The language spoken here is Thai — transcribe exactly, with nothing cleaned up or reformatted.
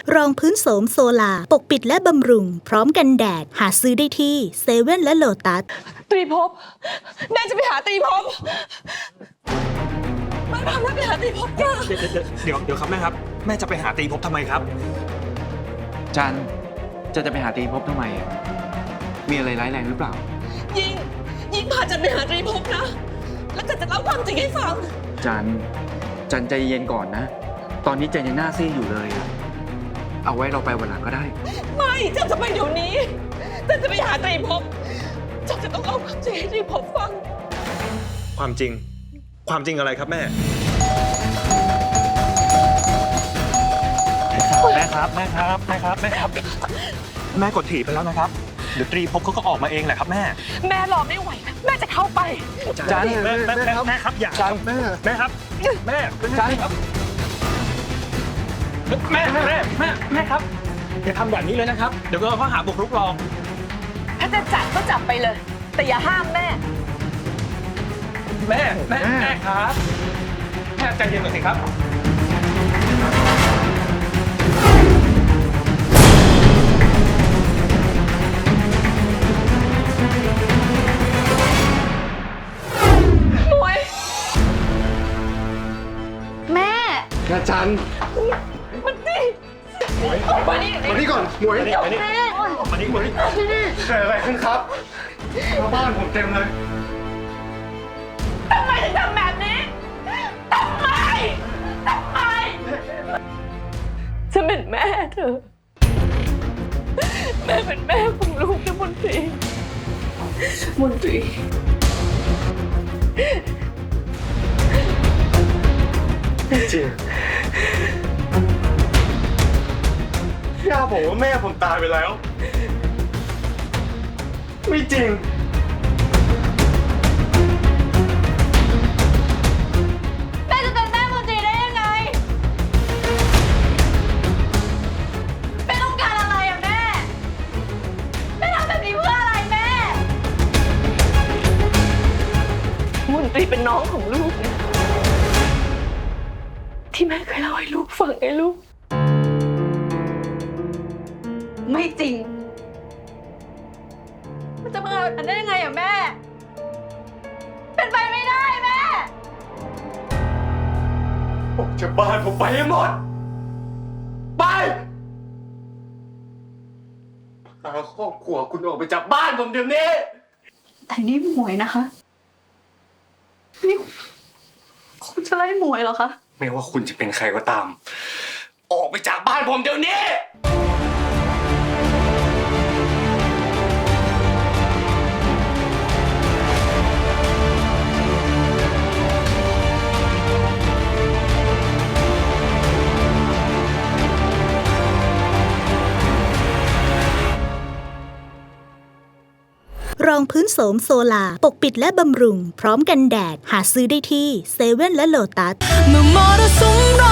รองพื้นโสมโซลาปกปิดและบำรุงพร้อมกันแดดหาซื้อได้ที่เซเว่นและโลตัสตรีภพแม่จะไปหาตรีภพแม่พาแม่ไปหาตรีภพจ้าเดี๋ยวเดี๋ยวครับแม่ครับแม่จะไปหาตรีภพทำไมครับจันจะจะไปหาตรีภพทำไมมีอะไรร้ายแรงหรือเปล่ายิงยิงพาจันไปหาตรีภพนะแล้วจันจะเล่าความจริงให้ฟังจันจันใจเย็นก่อนนะตอนนี้จันยังหน้าซีดอยู่เลยเอาไว้เราไปวันหลังก็ได้ไม่จันจะไปเดี๋ยวนี้จันจะไปหาตรีภพจันจะต้องเล่าความจริงให้ตรีภพฟังความจริงความจริงอะไรครับแม่แม่ครับแม่ครับแม่ครับแม่ครับแม่กดถีบไปแล้วนะครับเดี๋ยวตรีภพเขาก็ออกมาเองแหละครับแม่แม่รอไม่ไหวแม่จะเข้าไปจันแม่แม่แม่ครับแม่ครับอย่าจันแม่แม่ครับแม่จันครับแม่แม่แม่แม่แม่ครับอย่าทำแบบนี้เลยนะครับเดี๋ยวก็ข้อหาบุกรุกรองถ้าจะจับก็จับไปเลยแต่อย่าห้ามแม่แม่แม่แม่ครับแม่ใจเย็นหน่อยสิครับมวยแม่กระจันมันนี่มานี่มานี่ก่อนหมวยมานี่มานี่มานี่มานี่เกิดอะไรขึ้นครับชาวบ้านผมเต็มเลยทำไมถึงทำแบบนี้ทำไมทำไมฉันเป็นแม่เธอแม่เป็นแม่ของลูกนะมนตรีมนตรีจริงย่าบอกว่าแม่ผมตายไปแล้วไม่จริงแม่จะเป็นแม่มนตรีได้ยังไงแม่ต้องการอะไรอะแม่แม่ทำแบบนี้เพื่ออะไรแม่มนตรีเป็นน้องของลูกนะที่แม่เคยเล่าให้ลูกฟังไอ้ลูกไม่จริงมันจะมาเอาอันได้ยังไงอะแม่เป็นไปไม่ได้แม่ผมจะบ้านผมไปให้หมดไปพาครอบครัวคุณออกไปจากบ้านผมเดี๋ยวนี้แต่นี่หมวยนะคะนี่คุณจะไล่หมวยเหรอคะไม่ว่าคุณจะเป็นใครก็ตามออกไปจากบ้านผมเดี๋ยวนี้รองพื้นโสมโซลาปกปิดและบำรุงพร้อมกันแดดหาซื้อได้ที่เซเว่นและโลตัสเมื่อมรสุม